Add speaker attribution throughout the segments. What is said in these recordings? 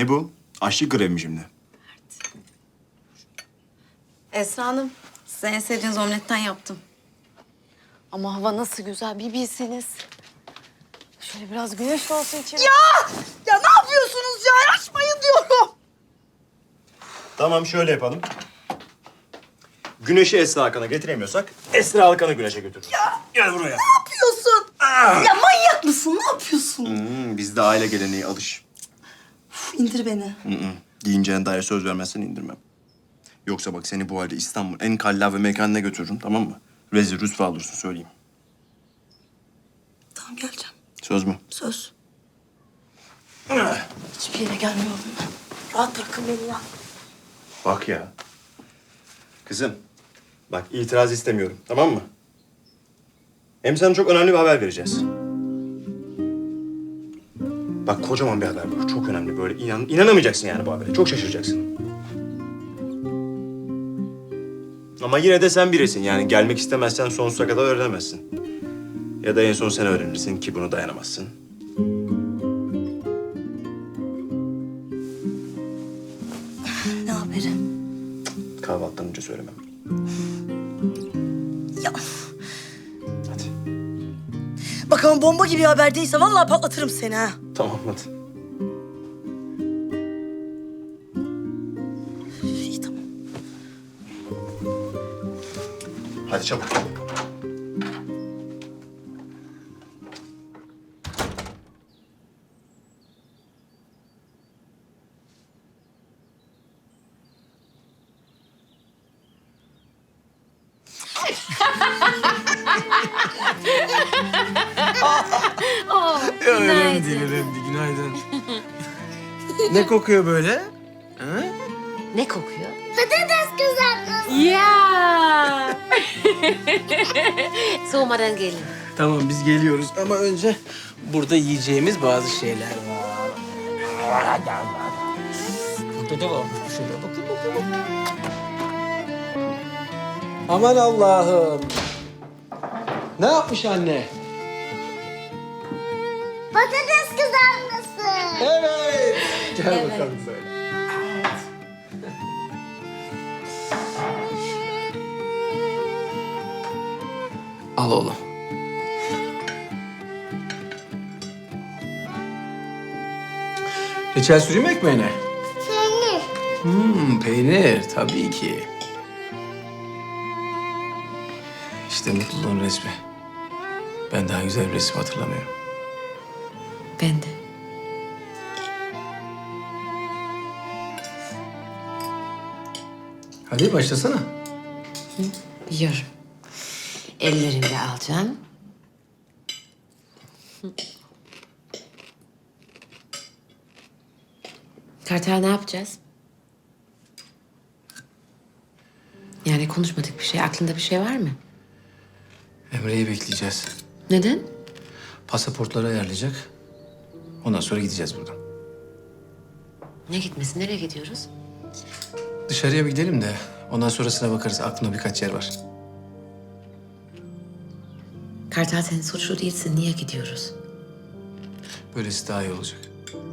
Speaker 1: Ne bu? Açlık grevi mi şimdi?
Speaker 2: Esra Hanım, size en sevdiğiniz omletten yaptım. Ama hava nasıl güzel bir bilseniz. Şöyle biraz güneş olsun içeri.
Speaker 3: Ya ne yapıyorsunuz ya? Açmayın diyorum.
Speaker 1: Tamam şöyle yapalım. Güneşi Esra Hakan'a getiremiyorsak Esra Hakan'ı güneşe götürürüz. Gel buraya.
Speaker 3: Ne yapıyorsun? Ya manyak mısın? Ne yapıyorsun?
Speaker 1: Bizde aile geleneği alış.
Speaker 3: Uf, indir beni.
Speaker 1: Giyineceğine dair söz vermezsen indirmem. Yoksa bak seni bu halde İstanbul en kallavi mekanına götürürüm, tamam mı? Rezil rüsva olursun söyleyeyim.
Speaker 3: Tamam geleceğim.
Speaker 1: Söz mü?
Speaker 3: Söz. Hiçbir yere gelmiyorum ben. Rahat bırakın beni ya.
Speaker 1: Bak ya. Kızım, bak itiraz istemiyorum, tamam mı? Hem sana çok önemli bir haber vereceğiz. Bak kocaman bir haber bu. Çok önemli böyle. İnanamayacaksın yani bu habere. Çok şaşıracaksın. Ama yine de sen birisin. Yani gelmek istemezsen sonsuza kadar öğrenemezsin. Ya da en son sen öğrenirsin ki bunu dayanamazsın.
Speaker 3: Ne haberi?
Speaker 1: Kahvaltıdan önce söylemem.
Speaker 3: Ya
Speaker 1: Hadi.
Speaker 3: bak ama bomba gibi haber değilse vallahi patlatırım seni ha.
Speaker 1: Tamam hadi.
Speaker 3: İyi tamam.
Speaker 1: Hadi çabuk.
Speaker 4: Önemli değil, günaydın. Ne kokuyor böyle? Ha?
Speaker 5: Ne kokuyor?
Speaker 6: Patates kızartması.
Speaker 5: Ya. Soğumadan gelin.
Speaker 4: Tamam biz geliyoruz ama önce burada yiyeceğimiz bazı şeyler var. Burada da varmış bir şeyler. Bakın. Aman Allah'ım. Ne yapmış anne?
Speaker 6: Patates kızartması.
Speaker 4: Evet. Gel bakalım böyle. Al oğlum. Reçel süreyim mi ekmeğine?
Speaker 6: Peynir.
Speaker 4: Peynir tabii ki. İşte mutluluğun resmi. Ben daha güzel bir resim hatırlamıyorum.
Speaker 5: Ben de.
Speaker 4: Hadi başlasana.
Speaker 5: Biliyorum. Ellerimle alacağım. Kartal ne yapacağız? Yani konuşmadık bir şey. Aklında bir şey var mı?
Speaker 4: Emre'yi bekleyeceğiz.
Speaker 5: Neden?
Speaker 4: Pasaportları ayarlayacak. Ondan sonra gideceğiz buradan.
Speaker 5: Ne gitmesi? Nereye gidiyoruz?
Speaker 4: Dışarıya bir gidelim de ondan sonrasına bakarız. Aklımda birkaç yer var.
Speaker 5: Kartal sen suçlu değilsin. Niye gidiyoruz?
Speaker 4: Böylesi daha iyi olacak.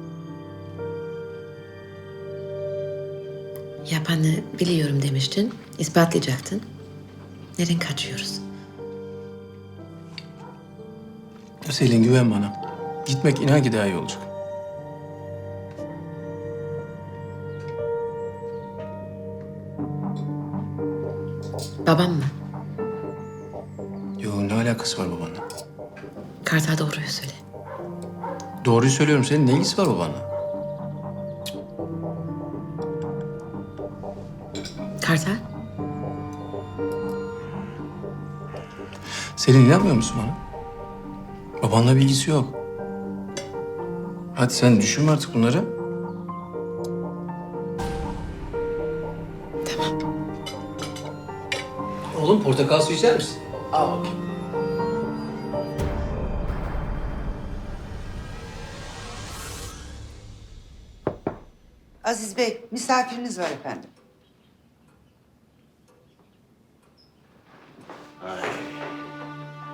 Speaker 5: Yapanı biliyorum demiştin. İspatlayacaktın. Neden kaçıyoruz?
Speaker 4: Selin güven bana. Gitmek inan ki daha iyi olacak.
Speaker 5: Babam mı?
Speaker 4: Yo ne alakası var babanla?
Speaker 5: Kartal doğruyu söyle.
Speaker 4: Doğruyu söylüyorum. Senin ne ilgisi var babanla?
Speaker 5: Kartal?
Speaker 4: Selin inanmıyor musun bana? Babanla bir ilgisi yok. Hadi sen düşünme artık bunları.
Speaker 5: Tamam.
Speaker 4: Oğlum portakal suyu içer misin? Al bakayım.
Speaker 7: Aziz Bey, misafiriniz var efendim.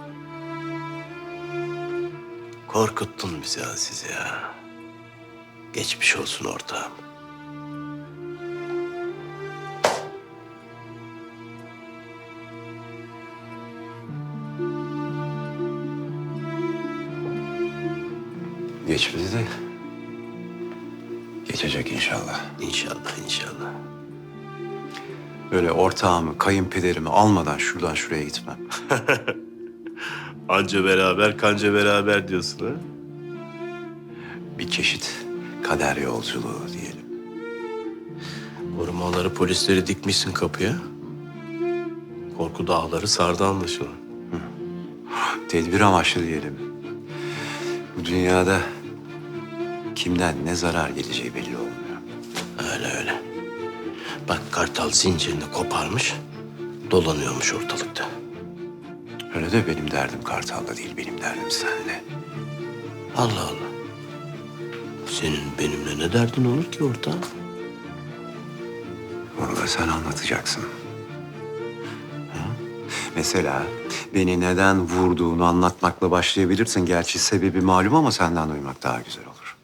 Speaker 8: Korkuttun bizi Aziz ya. Geçmiş olsun ortağım.
Speaker 9: Geçmedi de geçecek inşallah.
Speaker 8: İnşallah, inşallah.
Speaker 9: Böyle ortağımı, kayınpederimi almadan şuradan şuraya gitmem.
Speaker 8: Anca beraber, kanca beraber diyorsun ha?
Speaker 9: Bir çeşit kader yolculuğu diyelim.
Speaker 8: Korumaları, polisleri dikmişsin kapıya. Korku dağları sardı anlaşılan.
Speaker 9: Tedbir amaçlı diyelim. Bu dünyada kimden ne zarar geleceği belli olmuyor.
Speaker 8: Öyle öyle. Bak Kartal zincirini koparmış, dolanıyormuş ortalıkta.
Speaker 9: Öyle de benim derdim Kartal'da değil, benim derdim seninle.
Speaker 8: Allah Allah. Senin benimle ne derdin olur ki ortağım?
Speaker 9: Onu da sen anlatacaksın. Ha? Mesela beni neden vurduğunu anlatmakla başlayabilirsin. Gerçi sebebi malum ama senden duymak daha güzel olur.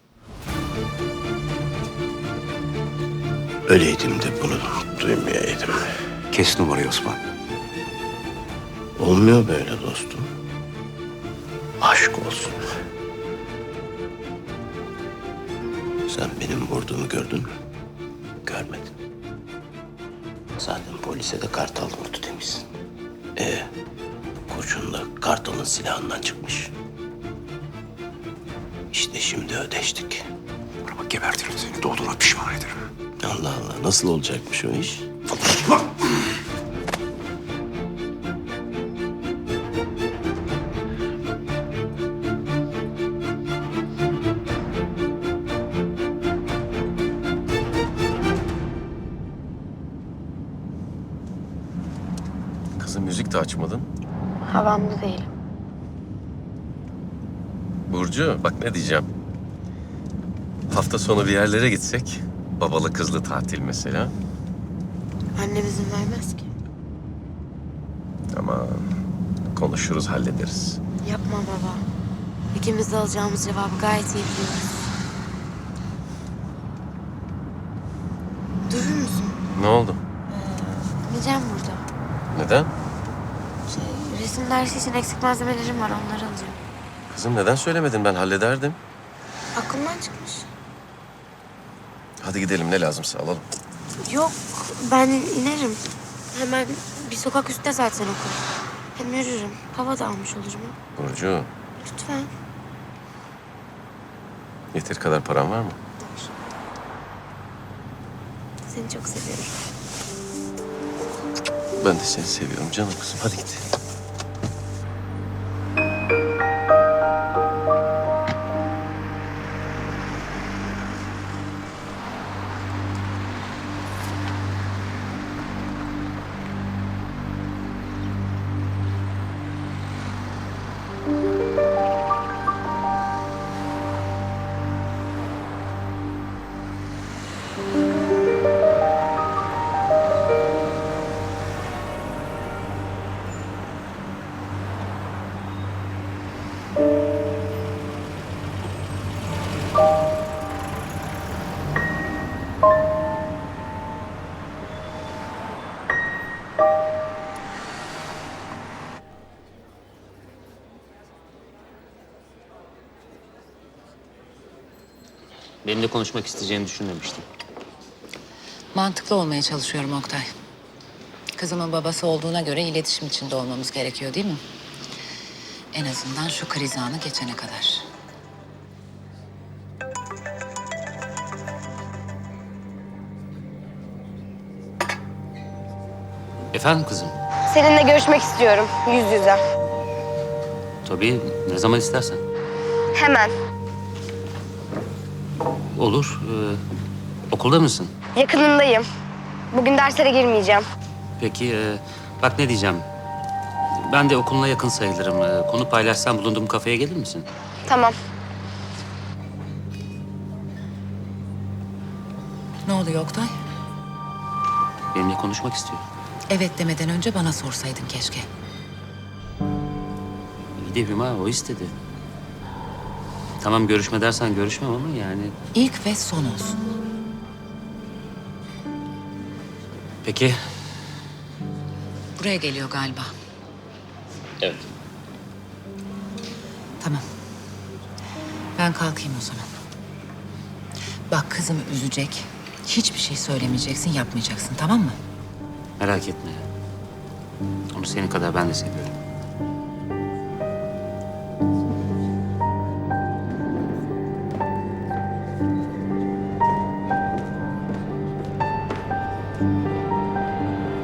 Speaker 8: Öleydim de bunu duymayaydım.
Speaker 9: Kes numarayı Osman.
Speaker 8: Olmuyor böyle dostum. Aşk olsun. Sen benim vurduğumu gördün mü? Görmedin. Zaten polise de Kartal vurdu demişsin. Kurşun da Kartal'ın silahından çıkmış. İşte şimdi ödeştik.
Speaker 9: Bana bak gebertirim seni. Doğduğuna pişman ederim.
Speaker 8: Allah Allah, nasıl olacakmış o iş?
Speaker 10: Kızım müzik de açmadın.
Speaker 2: Havamda değilim.
Speaker 10: Burcu bak ne diyeceğim. Hafta sonu bir yerlere gitsek. Babalı kızlı tatil mesela.
Speaker 2: Annem izin vermez ki.
Speaker 10: Aman konuşuruz hallederiz.
Speaker 2: Yapma baba. İkimiz de alacağımız cevabı gayet iyi biliyoruz. Durur musun?
Speaker 10: Ne oldu?
Speaker 2: Gideceğim burada.
Speaker 10: Neden?
Speaker 2: Resim dersi için eksik malzemelerim var, onları alacağım.
Speaker 10: Kızım neden söylemedin, ben hallederdim.
Speaker 2: Aklımdan çıkmış.
Speaker 10: Hadi gidelim, ne lazımsa alalım.
Speaker 2: Yok, ben inerim. Hemen bir sokak üstte zaten okul. Hem yürürüm. Hava da almış olurum.
Speaker 10: Burcu,
Speaker 2: Lütfen.
Speaker 10: yeteri kadar paran var mı?
Speaker 2: Seni çok seviyorum.
Speaker 10: Ben de seni seviyorum canım kızım. Hadi git.
Speaker 11: Benimle konuşmak isteyeceğini düşünmemiştim.
Speaker 5: Mantıklı olmaya çalışıyorum Oktay. Kızımın babası olduğuna göre iletişim içinde olmamız gerekiyor değil mi? En azından şu kriz anı geçene kadar.
Speaker 11: Efendim kızım?
Speaker 6: Seninle görüşmek istiyorum yüz yüze.
Speaker 11: Tabii, ne zaman istersen.
Speaker 6: Hemen.
Speaker 11: Olur. Okulda mısın?
Speaker 6: Yakınındayım. Bugün derslere girmeyeceğim.
Speaker 11: Peki, bak ne diyeceğim. Ben de okuluna yakın sayılırım. Konu paylaşsam bulunduğum kafeye gelir misin?
Speaker 6: Tamam.
Speaker 5: Ne oluyor Oktay?
Speaker 11: Benimle konuşmak istiyor.
Speaker 5: Evet demeden önce bana sorsaydın keşke.
Speaker 11: İyi de Hüma, o istedi. Tamam görüşme dersen görüşmem ama yani...
Speaker 5: İlk ve son olsun.
Speaker 11: Peki.
Speaker 5: Buraya geliyor galiba.
Speaker 11: Evet.
Speaker 5: Tamam. Ben kalkayım o zaman. Bak kızımı üzecek. Hiçbir şey söylemeyeceksin, yapmayacaksın, tamam mı?
Speaker 11: Merak etme. Onu senin kadar ben de seviyorum.